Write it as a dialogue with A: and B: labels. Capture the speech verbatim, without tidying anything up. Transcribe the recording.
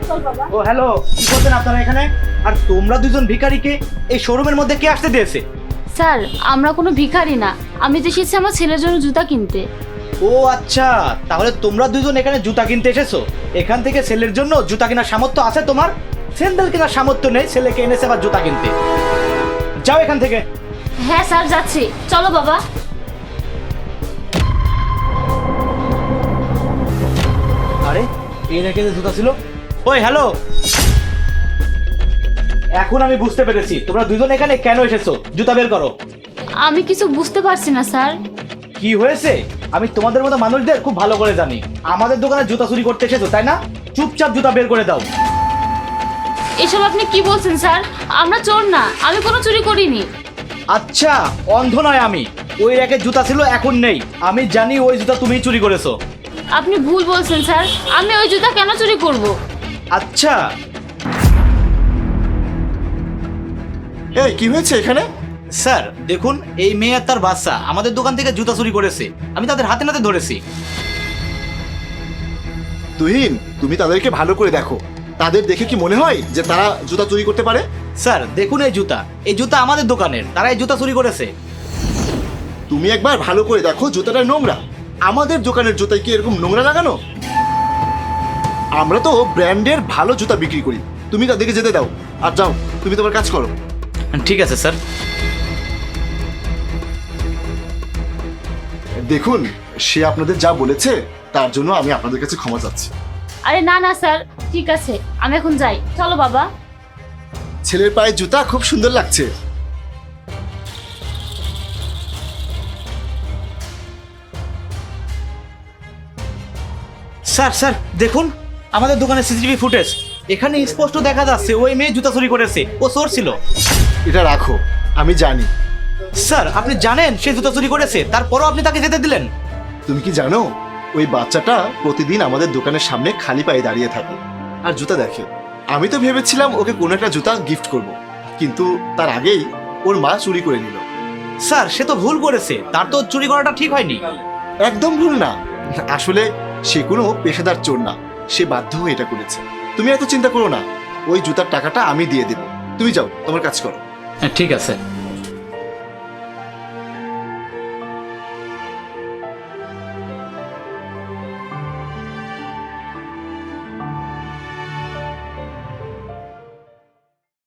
A: ও hello, কি করছেন আপনারা এখানে? আর তোমরা দুজন ভিখারিকে এই শোরুমের মধ্যে কে আসতে দিয়েছে?
B: স্যার, আমরা কোনো ভিখারি না, আমি তো এসেছি আমার ছেলের জন্য জুতা কিনতে।
A: ও আচ্ছা, তাহলে তোমরা দুজন এখানে জুতা কিনতে এসেছো। এখান থেকে ছেলের জন্য জুতা কেনার সামর্থ্য আছে তোমার? স্যান্ডেল কেনার সামর্থ্য নেই, ছেলেকে এনেছে আবার জুতা কিনতে। যাও এখান থেকে।
B: হ্যাঁ স্যার, যাচ্ছি, চলো বাবা।
A: আরে এই রেখে যে জুতা ছিল। ওই হ্যালো, এখন আমি বুঝতে পেরেছি তোমরা দুজন এখানে কেন এসেছো। জুতা বের করো।
B: আমি কিছু বুঝতে পারছি না স্যার।
A: কি হয়েছে? আমি তোমাদের মতো মানুষদের খুব ভালো করে জানি। আমাদের দোকানে জুতা চুরি করতে এসেছো তাই না? চুপচাপ জুতা বের করে দাও।
B: এসব আপনি কি বলছেন স্যার? আমরা চোর না, আমি কোনো চুরি করিনি।
A: আচ্ছা, অন্ধ নয় আমি। ওই র্যাকে জুতা ছিল, এখন নেই। আমি জানি ওই জুতা তুমিই চুরি করেছো।
B: আপনি ভুল বলছেন স্যার, আমি ওই জুতা কেন চুরি করব?
A: আচ্ছা,
C: এই কি হয়েছে এখানে?
A: স্যার দেখুন, এই মেয়ে আর তার বাচ্চা আমাদের দোকান থেকে জুতা চুরি করেছে। আমি তাদের হাতে নাতে ধরেছি।
C: তুহিন, তুমি তাদেরকে ভালো করে দেখো। তাদের দেখে কি মনে হয় যে তারা জুতা চুরি করতে পারে?
A: স্যার দেখুন, এই জুতা এই জুতা আমাদের দোকানের, তারা এই জুতা চুরি করেছে।
C: তুমি একবার ভালো করে দেখো, জুতাটা নোংরা। আমাদের দোকানের জুতায় কি এরকম নোংরা লাগানো? আমরা তো ব্র্যান্ডের ভালো জুতা বিক্রি করি। তুমি তাদেরকে যেতে দাও আর যাও, তুমি তোমার কাজ করো।
A: ঠিক আছে স্যার।
C: দেখুন, সে আপনাদের যা বলেছে তার জন্য আমি আপনাদের কাছে ক্ষমা চাচ্ছি।
B: আরে না না স্যার, ঠিক আছে, আমি এখন যাই, চলো বাবা।
C: ছেলের পায়ে জুতা খুব সুন্দর লাগছে।
A: স্যার স্যার দেখুন, আমাদের দোকানের সিসিটিভি ফুটেজ, এখানে স্পষ্ট দেখা যাচ্ছে ওই মেয়ে জুতা চুরি করেছে। ও চোর ছিল।
C: এটা রাখো, আমি জানি।
A: স্যার আপনি জানেন সে জুতা চুরি করেছে, তারপরও আপনি তাকে যেতে দিলেন?
C: তুমি কি জানো ওই বাচ্চাটা প্রতিদিন আমাদের দোকানের সামনে খালি পায়ে দাঁড়িয়ে থাকে আর জুতা দেখে। আমি তো ভেবেছিলাম ওকে কোনো একটা জুতা গিফট করব, কিন্তু তার আগেই ওর মা চুরি করে নিল।
A: স্যার সে তো ভুল করেছে, তার তো চুরি করাটা ঠিক হয়নি।
C: একদম ভুল না। আসলে সে কোনো পেশাদার চোর না, সে বাধ্য হয়ে এটা করেছে। তুমি এত চিন্তা করো না, ওই জুতার টাকাটা আমি দিয়ে দেব। তুমি যাও, তোমার কাজ করো।
A: ঠিক আছে।